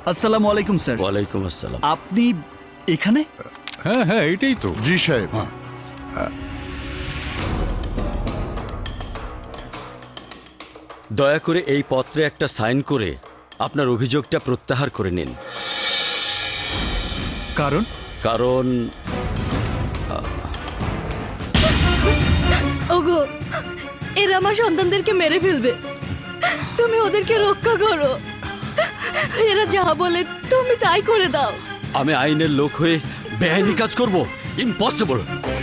আসসালামু আলাইকুম স্যার। ওয়ালাইকুম আসসালাম। আপনি এখানে? হ্যাঁ হ্যাঁ এটাই তো। জি সাহেব। দয়া করে এই পত্রে একটা সাইন করে আপনার অভিযোগটা প্রত্যাহার করে নিন। কারণ? কারণ ওগো, এরা আমার সন্তানদেরকে মেরে ফেলবে, তুমি ওদেরকে রক্ষা করো। এরা যা বলে তুমি তাই করে দাও। আমি আইনের লোক হয়ে বেআইনি কাজ করব? ইম্পসিবল।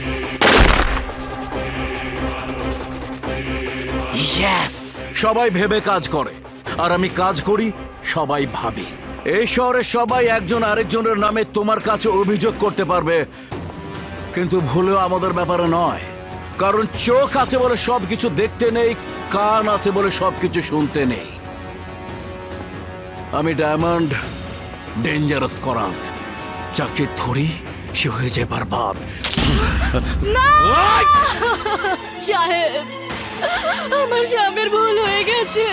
ইয়েস, সবাই ভেবে কাজ করে আর আমি কাজ করি সবাই ভাবে। এই শহরে সবাই একজন আরেকজনের নামে তোমার কাছে অভিযোগ করতে পারবে, কিন্তু ভুলেও আমাদের ব্যাপারে নয়। কারণ চোখ আছে বলে সবকিছু দেখতে নেই, কান আছে বলে সবকিছু শুনতে নেই। আমি ডায়মন্ড, ডেঞ্জারাস করাত, যাকে ধরি সে হয়ে যায় বরবাদ। সাহেব, আমার স্বামীর ভুল হয়ে গেছে,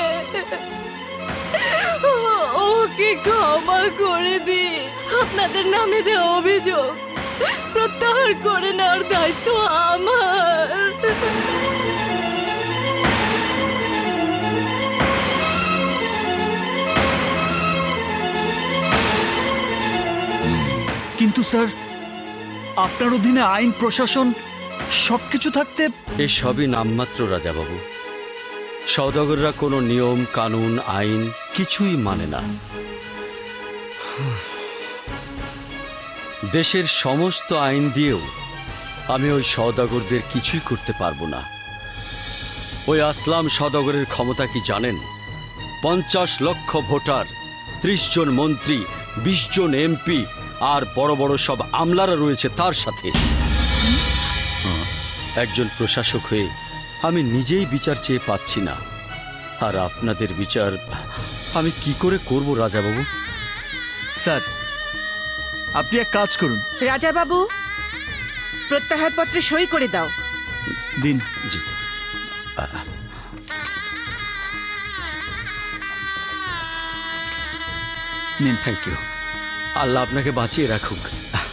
ওকে ক্ষমা করে দি। আপনাদের নামে দেওয়া অভিযোগ প্রত্যাহার করে নেওয়ার দায়িত্ব আমার। কিন্তু স্যার, আপনার অধীনে আইন প্রশাসন সবকিছু থাকতে। এই সবই নামমাত্র রাজাবাবু। সওদাগররা কোনো নিয়ম কানুন আইন কিছুই মানে না। দেশের সমস্ত আইন দিয়েও আমি ওই সওদাগরদের কিছুই করতে পারবো না। ওই আসলাম সওদাগরের ক্ষমতা কি জানেন? 50 লক্ষ ভোটার, 30 জন মন্ত্রী, 20 জন এমপি আর বড় বড় সব আমলারা রয়েছে তার সাথে। একজন প্রশাসক হয়ে আমি নিজেই বিচার চেয়ে পাচ্ছি না, আর আপনাদের বিচার আমি কি করে করব রাজাবাবু? স্যার, আপনি এক কাজ করুন। রাজা বাবু, প্রত্যাহার পত্রে সই করে দাও। দিন। জি। নিন। Thank you. আল্লাহ আপনাকে বাঁচিয়ে রাখুক।